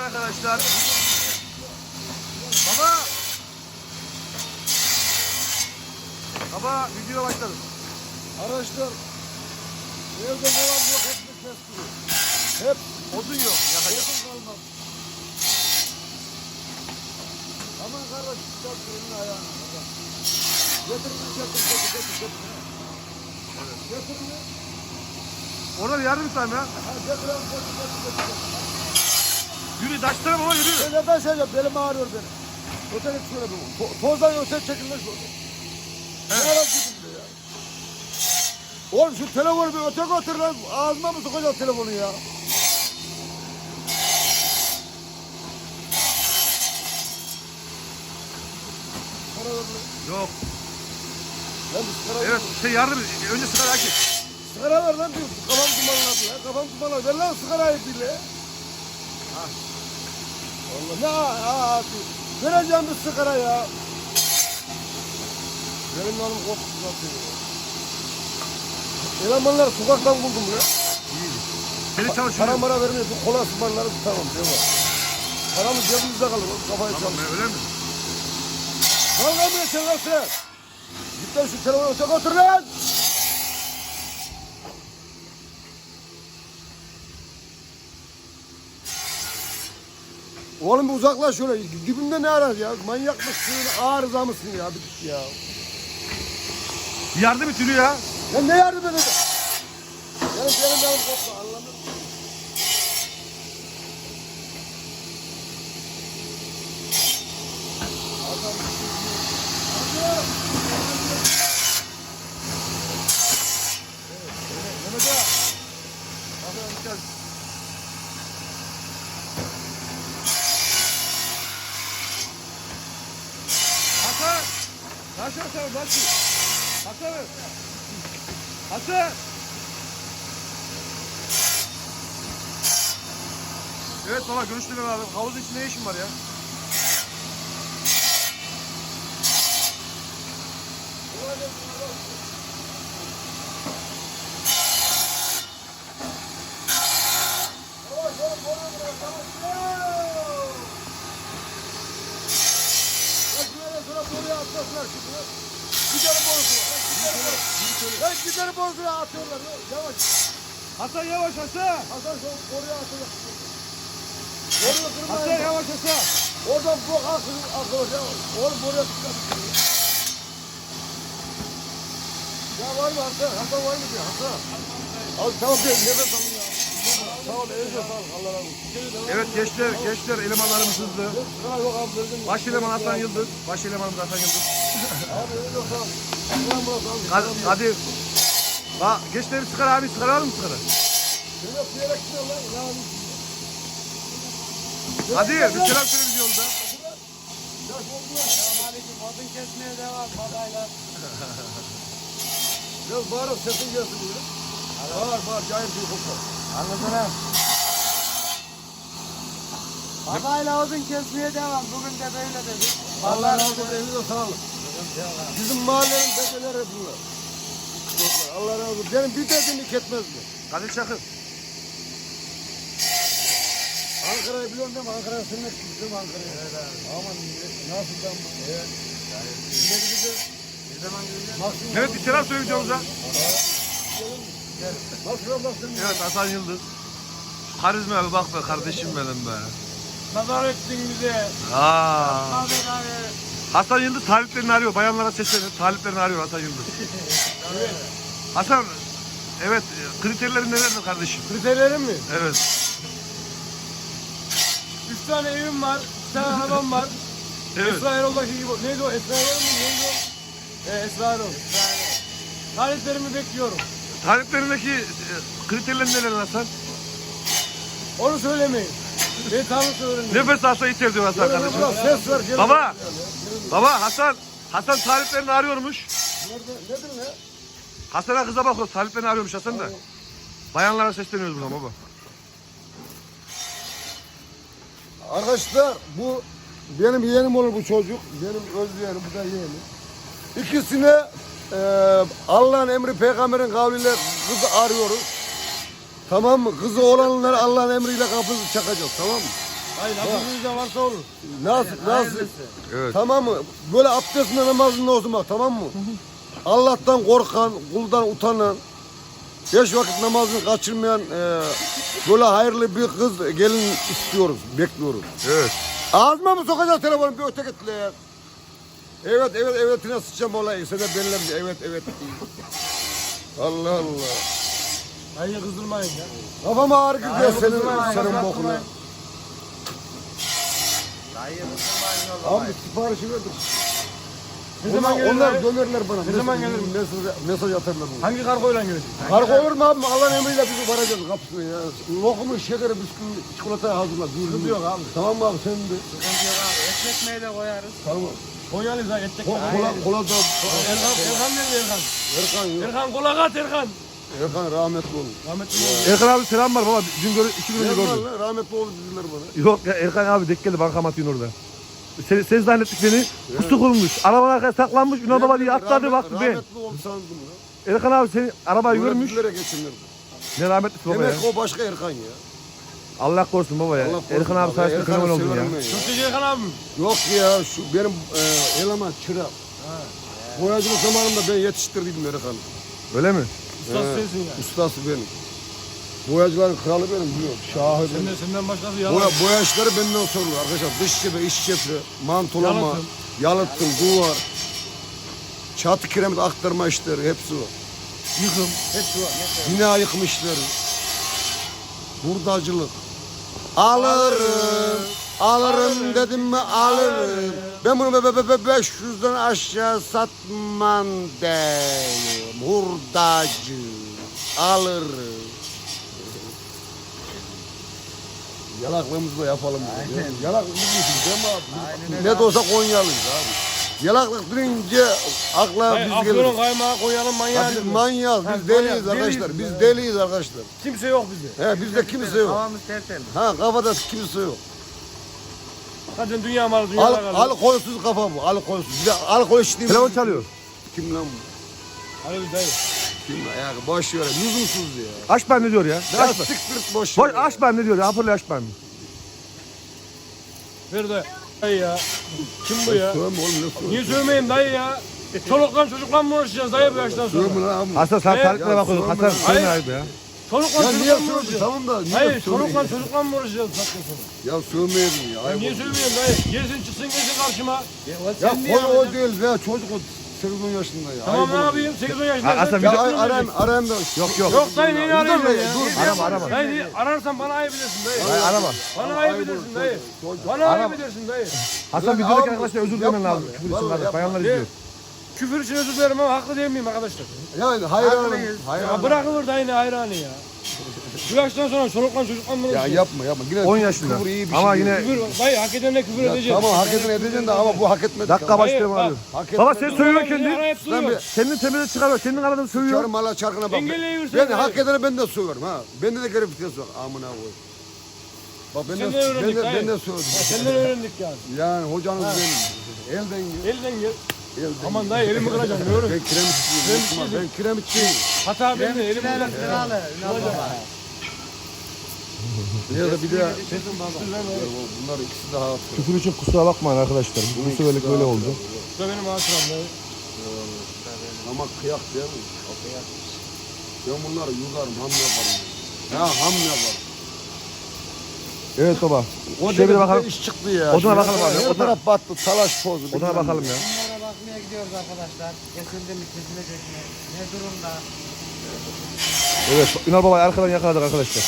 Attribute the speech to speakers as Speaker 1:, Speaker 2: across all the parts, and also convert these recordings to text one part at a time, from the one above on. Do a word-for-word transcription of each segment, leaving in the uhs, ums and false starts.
Speaker 1: arkadaşlar. Baba. Baba video başladı.
Speaker 2: Arkadaşlar evde ne var yok hepsini kestiriyor.
Speaker 1: Hep odun yok. Yakacak.
Speaker 2: Odun kalmaz. Aman kardeş çıkart elini ayağını. Getir bunu getir getir getir getir.
Speaker 1: Evet.
Speaker 2: Getir bunu.
Speaker 1: Orada bir yardım istedim ya.
Speaker 2: Ha getir abi getir getir getir.
Speaker 1: Yürü taşlara baba yürü.
Speaker 2: Ben neden söyleyeceğim belim ağrıyor benim. Öte git şöyle bir. To tozdan öte çekilmez bu. Ne ara gidin be ya. Oğlum şu telefonu bir öte götür lan. Ağzıma mı sokacağım telefonu ya? Para ver lan.
Speaker 1: Yok.
Speaker 2: Lan bir sigara
Speaker 1: Evet şey yardım. Önce sigara aç.
Speaker 2: sigara ver lan diyor. Kafam dumanladı ya. Kafam dumanladı. Ver lan sigarayı bile.
Speaker 1: Ha.
Speaker 2: Allah ne ha ha. Vereceğim bir sigara ya. Benim yanım korktu zaten ya. Elemanları sokaktan buldum ya.
Speaker 1: İyi. Seni
Speaker 2: Para
Speaker 1: çalışıyor.
Speaker 2: mara vermiyor. Bu kola sımanları tutamam diyor. Paramız cebimizde kalır. Kafayı
Speaker 1: Tamam
Speaker 2: çalır.
Speaker 1: öyle mi?
Speaker 2: Kavga mı geçen lan sen? Git lan şu telefonu öte götür lan. Oğlum bir uzaklaş şöyle. Dibimde ne arar ya? Manyak mısın? Arıza mısın ya? Bir git ya.
Speaker 1: Yardım et yürü ya.
Speaker 2: Ya ne yardım edeceğim? Benim benim benim koptu anladın mı? Adam Adam
Speaker 1: Mehmet ağa. Bakalım gel. Hasan. Hasan sen bak. Hasan. Hasan. Evet baba görüştük abi. Havuzun içinde ne işin var ya?
Speaker 2: Giderim borusuna. Ben giderim borusuna atıyorlar. Yavaş.
Speaker 1: Hasan yavaş Hasan.
Speaker 2: Hasan şu oraya atacak. Oraya
Speaker 1: Hasan
Speaker 2: kırmayın.
Speaker 1: yavaş Hasan.
Speaker 2: Oradan bu akıl akıl ya. Oğlum oraya dikkat et. Ya var mı Hasan? Hasan var mı diyor Hasan? Abi tamam bir nefes alın ya. Sağ ol, elinize sağlık. Allah razı olsun.
Speaker 1: Evet gençler, gençler elemanlarımız hızlı.
Speaker 2: Sıra yok abi verdim.
Speaker 1: Baş eleman Hasan Yıldız. Baş elemanımız Hasan Yıldız.
Speaker 2: Abi elinize sağlık. Allah'ım bırak abi.
Speaker 1: Hadi. hadi. Bak gençler bir sigara abi sigara var mı sigara?
Speaker 2: Seni öpüyerek gidiyor lan. Ya abi.
Speaker 1: Hadi bir selam söyle videomuzda.
Speaker 2: Selamünaleyküm. Odun kesmeye devam babayla. Biraz bağırıp sesin gelsin diye. Bağır bağır cahil bir kokla.
Speaker 3: Anladım. Babayla odun kesmeye devam. Bugün de böyle dedik.
Speaker 2: Allah razı olsun. Elinize sağlık. Bizim mahallenin dedeleri bunlar. Allah razı olsun. Benim bir dediğimi ketmez mi?
Speaker 1: Kadir Çakır.
Speaker 2: Ankara'yı biliyorum değil mi? Ankara'ya sürmek istiyorum Ankara'ya. Evet abi. Aman nasıl ben bu? Evet. Ne gideceğiz? Ne zaman gideceğiz?
Speaker 1: Evet bir selam söyle videomuza.
Speaker 2: Nasıl bak sen?
Speaker 1: Evet Hasan Yıldız. Karizma abi bak be kardeşim benim be.
Speaker 3: Nazar ettin bize.
Speaker 1: Aa.
Speaker 3: Abi abi.
Speaker 1: Hasan Yıldız taliplerini arıyor. Bayanlara seslenir. Taliplerini arıyor Hasan Yıldız.
Speaker 2: Evet.
Speaker 1: Hasan evet kriterlerin nelerdir kardeşim?
Speaker 2: Kriterlerim mi?
Speaker 1: Evet.
Speaker 2: Üç tane evim var. Bir tane arabam var.
Speaker 1: Evet.
Speaker 2: Esra Erol'daki gibi. Neydi o? Esra Erol mu? Neydi o? Ee, Esra Erol. Taliplerimi bekliyorum.
Speaker 1: Taliplerindeki e, kriterlerin neler Hasan?
Speaker 2: Onu söylemeyin. Ben tanrısı öğrendim.
Speaker 1: Nefes alsa yeter diyor Hasan
Speaker 2: Böyle
Speaker 1: kardeşim.
Speaker 2: biraz ses ver. gel.
Speaker 1: Baba. Baba Hasan. Hasan taliplerini arıyormuş.
Speaker 2: Nerede? Nedir ne?
Speaker 1: Hasan'a kıza bakıyor. Taliplerini arıyormuş Hasan da. Bayanlara sesleniyoruz buradan baba.
Speaker 2: Arkadaşlar bu benim yeğenim olur bu çocuk. Benim öz yeğenim, bu da yeğenim. İkisine e, Allah'ın emri peygamberin kavliyle kızı arıyoruz. Tamam mı? Kızı olanlara Allah'ın emriyle kapınızı çakacağız. Tamam mı?
Speaker 4: Hayır nasıl varsa olur.
Speaker 2: Nasıl nasıl?
Speaker 3: Hayırlısı.
Speaker 1: Evet.
Speaker 2: Tamam mı? Böyle abdestinde namazında olsun bak, tamam mı? Allah'tan korkan, kuldan utanan, beş vakit namazını kaçırmayan e, böyle hayırlı bir kız gelin istiyoruz, bekliyoruz.
Speaker 1: Evet.
Speaker 2: Ağzıma mı sokacağız telefonu, bir öte git lan. Evet evet evetine sıçacağım olayı. Sen de belirlem evet evet. Allah Allah.
Speaker 4: Hayır kızdırmayın ya.
Speaker 2: Kafam ağrı gidiyor
Speaker 3: Hayır,
Speaker 2: senin,
Speaker 3: kızma,
Speaker 2: senin
Speaker 3: kızma.
Speaker 2: bokuna.
Speaker 3: Dayı kızmayın o zaman.
Speaker 2: Abi siparişi verdim.
Speaker 4: Ne zaman
Speaker 2: Onlar,
Speaker 4: gelir
Speaker 2: onlar
Speaker 4: dayı?
Speaker 2: dönerler bana.
Speaker 4: Ne zaman gelir?
Speaker 2: Mesaj, mesaj atarlar bana.
Speaker 4: Hangi kargoyla gelecek?
Speaker 2: Kargo olur mu abi? Allah'ın emriyle bizi varacağız kapısına ya. Lokumu, şekeri, bisküvi, çikolatayı hazırla.
Speaker 4: Sıkıntı yok abi.
Speaker 2: Tamam mı abi, sen de.
Speaker 3: Sıkıntı yok abi. Et ekmeği de koyarız.
Speaker 2: Tamam.
Speaker 4: Konya'lıyız ha edecek.
Speaker 2: Ko kola, kola da.
Speaker 4: Erkan, Erkan nerede Erkan?
Speaker 2: Erkan yok.
Speaker 4: Erkan kola kat Erkan.
Speaker 2: Erkan rahmetli oldu.
Speaker 4: Rahmetli olsun.
Speaker 1: Erkan abi selam var baba. Dün gör, iki gün önce
Speaker 2: Erkan
Speaker 1: gördüm.
Speaker 2: lan, rahmetli oldu dediler bana.
Speaker 1: Yok ya Erkan abi denk geldi bankamatiğin orada. Sen, sen zannettik beni. Pusu kurmuş. Arabanın arkasına saklanmış. Ünal baba diye atladı
Speaker 2: Rahmet-
Speaker 1: baktı ben.
Speaker 2: Rahmetli oldu sandım ya.
Speaker 1: Erkan abi seni arabayı
Speaker 2: Böyle
Speaker 1: görmüş.
Speaker 2: dillere geçinirdi.
Speaker 1: Ne rahmetlisi baba ya.
Speaker 2: Demek ki o başka Erkan ya.
Speaker 1: Allah korusun baba ya.
Speaker 2: Allah korusun
Speaker 1: Erkan abi
Speaker 2: baba.
Speaker 1: sayesinde
Speaker 2: Erkan'ı
Speaker 1: fenomen oldun ya.
Speaker 2: severim ben
Speaker 4: Çok teşekkür Erkan abim.
Speaker 2: Yok ya, şu benim e, eleman çırak. Boyacılık zamanında ben yetiştirdiydim Erkan'ı.
Speaker 1: Öyle mi?
Speaker 4: Ustası
Speaker 2: He,
Speaker 4: sensin ya.
Speaker 2: Ustası benim. Boyacıların kralı benim, biliyorum. Şahı benim.
Speaker 4: Senden, senden başkası yalan.
Speaker 2: Boya, boya işleri benden sorulur arkadaşlar. Dış cephe, iç cephe, mantolama,
Speaker 4: Yalıtım.
Speaker 2: yalıtım, duvar, çatı kiremit aktarma işleri hepsi var.
Speaker 4: Yıkım.
Speaker 2: Hepsi var. Bina yıkım işleri. Hurdacılık. Alırım, alırım dedim mi alırım. Ben bunu be, be, be, beş yüzden aşağı satmam deyim. Hurdacı. Alırım. Yalaklığımızı da yapalım. Aynen. Yalaklık bizim değil mi abi?
Speaker 3: Aynen
Speaker 2: Ne de olsa Konyalıyız abi. Yalaklık deyince akla
Speaker 4: Hayır,
Speaker 2: biz
Speaker 4: Afyon'un
Speaker 2: geliriz.
Speaker 4: kaymağı Konya'nın manyağı.
Speaker 2: Biz
Speaker 4: diyor.
Speaker 2: manyağız,
Speaker 4: Ha,
Speaker 2: biz deliyiz
Speaker 4: manyak,
Speaker 2: arkadaşlar.
Speaker 4: deliyiz
Speaker 2: Biz
Speaker 4: ya.
Speaker 2: deliyiz arkadaşlar.
Speaker 4: Kimse yok bizde.
Speaker 2: He, bizde kimse yok.
Speaker 3: Havamız tertemiz.
Speaker 2: Ha, kafada kimse yok.
Speaker 4: Zaten dünya malı dünya
Speaker 2: Al,
Speaker 4: malı.
Speaker 2: alkolsüz kafa bu, alkolsüz. Bir de alkol içtiğimiz...
Speaker 1: Telefon çalıyor.
Speaker 2: Kim lan bu?
Speaker 4: Hadi biz dayı.
Speaker 2: Kim lan? Ya boş ver, lüzumsuz ya.
Speaker 1: Aç ben ne diyor ya?
Speaker 2: Ya
Speaker 1: Aç ben.
Speaker 2: siktir boş
Speaker 1: Boş
Speaker 2: ver.
Speaker 1: aç ben ne diyor ya? Hoparlör aç ben.
Speaker 4: Ver dayı. Dayı ya. Kim bu ya?
Speaker 2: Sövme oğlum, ne sövme?
Speaker 4: Niye sövmeyeyim dayı ya? Çolukla çocukla mı uğraşacağız dayı bu yaştan sonra?
Speaker 2: Sövme lan abi.
Speaker 1: Hasan sen
Speaker 4: Evet.
Speaker 1: tarihlere bakıyordun.
Speaker 2: Ya,
Speaker 1: Hasan
Speaker 2: sorma.
Speaker 1: senin
Speaker 4: Hayır.
Speaker 1: ayıp ya.
Speaker 4: Çolukla
Speaker 2: Ya niye
Speaker 4: çocukla mı
Speaker 2: sövme?
Speaker 4: uğraşacağız?
Speaker 2: Tamam da niye
Speaker 4: Hayır
Speaker 2: sövme?
Speaker 4: çolukla çocukla mı uğraşacağız zaten sonra?
Speaker 2: Ya sövmeyelim ya.
Speaker 4: Ya
Speaker 2: ayıp
Speaker 4: niye
Speaker 2: oldu.
Speaker 4: söylemiyorum dayı? Gelsin çıksın gelsin karşıma.
Speaker 2: Ya konu o değil ya, çocuk o sekiz on yaşında ya.
Speaker 4: Tamam
Speaker 2: ayıp
Speaker 4: ne
Speaker 2: oldu.
Speaker 4: yapayım? sekiz on yaşında.
Speaker 1: Ha, Aslan,
Speaker 2: Ya
Speaker 1: video-
Speaker 2: ay- aran, aran da.
Speaker 1: Yok yok.
Speaker 4: Yok dayı neyini
Speaker 2: Dur,
Speaker 4: arayacağım
Speaker 2: dur,
Speaker 4: ya?
Speaker 2: dur.
Speaker 1: Arama arama.
Speaker 4: Dayı niye- ararsan bana ayıp edersin dayı.
Speaker 1: Hayır arama.
Speaker 4: Bana
Speaker 2: Ayıp
Speaker 4: ayıp edersin
Speaker 2: oldu,
Speaker 4: dayı.
Speaker 2: çocuk.
Speaker 4: Bana ayıp edersin dayı.
Speaker 1: Hasan
Speaker 2: Lan
Speaker 1: videodaki
Speaker 2: abi,
Speaker 1: arkadaşlar özür
Speaker 2: yapma
Speaker 1: dilemen lazım.
Speaker 2: ya.
Speaker 1: Küfür için
Speaker 2: Vallahi
Speaker 1: kardeş.
Speaker 2: yapma.
Speaker 1: Bayanlar
Speaker 4: Ne?
Speaker 1: izliyor.
Speaker 4: Küfür için özür dilerim ama haklı değil miyim arkadaşlar?
Speaker 2: Yani hayranım.
Speaker 3: Haklıyız.
Speaker 4: Ya
Speaker 2: Hayranım.
Speaker 4: bırakılır dayı ne hayranı ya. Bu yaştan sonra çolukla çocukla mı
Speaker 2: Ya
Speaker 4: uğraşacağız?
Speaker 2: yapma yapma. Yine
Speaker 1: on
Speaker 2: küfür
Speaker 1: yaşında.
Speaker 2: iyi bir
Speaker 1: Ama
Speaker 2: şey
Speaker 1: yine-
Speaker 2: değil.
Speaker 4: Küfür, dayı hak edenle küfür
Speaker 2: Ya
Speaker 4: edeceğiz.
Speaker 2: tamam, hak edin edeceksin de ama bu hak etmedi.
Speaker 1: Dakika
Speaker 4: Hayır,
Speaker 1: başlayalım
Speaker 4: bak.
Speaker 1: abi.
Speaker 2: Hak etmedi.
Speaker 1: Baba sen sövüyorsun
Speaker 4: Kendini
Speaker 1: kendini.
Speaker 4: arayıp
Speaker 2: Sen
Speaker 4: duruyor.
Speaker 1: Kendini temize çıkarıyor. Kendin aradın sövüyor.
Speaker 2: Çarım hala çarkına bak.
Speaker 4: Engelleyiversen
Speaker 2: Ben
Speaker 4: de.
Speaker 2: hak edene ben de söverim ha. Bende de garip vites var. Amına koy. Bak ben de,
Speaker 4: Senden
Speaker 2: ben
Speaker 4: öğrendik,
Speaker 2: de,
Speaker 4: hayır.
Speaker 2: ben de söyledim.
Speaker 4: Senden öğrendik yani.
Speaker 2: Yani hocanız benim. Elden gel.
Speaker 4: Elden gel.
Speaker 2: Elden
Speaker 4: Aman dayı elimi kıracağım diyorum.
Speaker 2: Ben kiremitçiyim.
Speaker 4: Kiremitçiyim.
Speaker 2: Ben kiremitçiyim.
Speaker 4: Hata benim de elimi
Speaker 3: Kremçilerin
Speaker 4: kıracağım.
Speaker 3: kralı. Ünal Baba.
Speaker 2: Ya da bir de
Speaker 3: Düşürdün baba.
Speaker 2: bunlar ikisi daha hafif.
Speaker 1: Küfür için kusura bakmayın arkadaşlar. Bu seferlik böyle oldu.
Speaker 4: Bu da benim hatıram dayı.
Speaker 2: Ama kıyak değil mi? Ben bunları yularım, ham yaparım. Ya ham yaparım.
Speaker 1: Evet baba.
Speaker 2: O
Speaker 1: Şöyle bir
Speaker 2: demek
Speaker 1: bakalım.
Speaker 2: bir iş çıktı ya.
Speaker 1: Oduna bakalım abi,
Speaker 2: Her
Speaker 1: oduna.
Speaker 2: taraf battı, talaş pozu.
Speaker 1: Odana
Speaker 2: bilmem
Speaker 1: bakalım
Speaker 2: ne.
Speaker 1: ya.
Speaker 3: Bunlara bakmaya gidiyoruz arkadaşlar. Kesildi mi kesilecek mi? Ne durumda?
Speaker 1: Evet. Ünal babayı arkadan yakaladık arkadaşlar.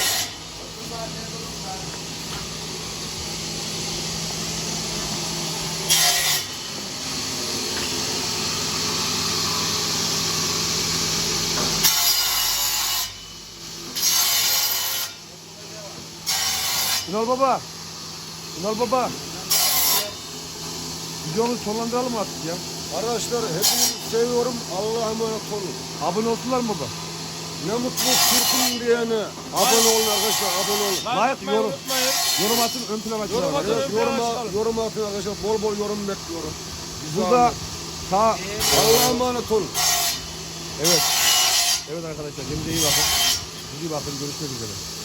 Speaker 1: Ünal baba. Ünal baba. Videomuzu sonlandıralım mı artık ya?
Speaker 2: Arkadaşlar hepinizi seviyorum. Allah'a emanet olun.
Speaker 1: Abone olsunlar mı baba?
Speaker 2: Ne mutlu Türk'üm diyene. Abone olun arkadaşlar, abone olun.
Speaker 1: Like,
Speaker 4: Unutmayın,
Speaker 1: yorum.
Speaker 4: unutmayın.
Speaker 1: Yorum atın, ön plana açın.
Speaker 4: Yorum
Speaker 1: abi.
Speaker 4: atın.
Speaker 2: Evet, yorum, yorum atın arkadaşlar. Bol bol yorum bekliyorum. Bizi
Speaker 1: Burada
Speaker 2: anlatın.
Speaker 1: ta
Speaker 2: Allah'a emanet olun.
Speaker 1: evet. Evet arkadaşlar kendinize iyi bakın. İyi bakın, görüşmek üzere.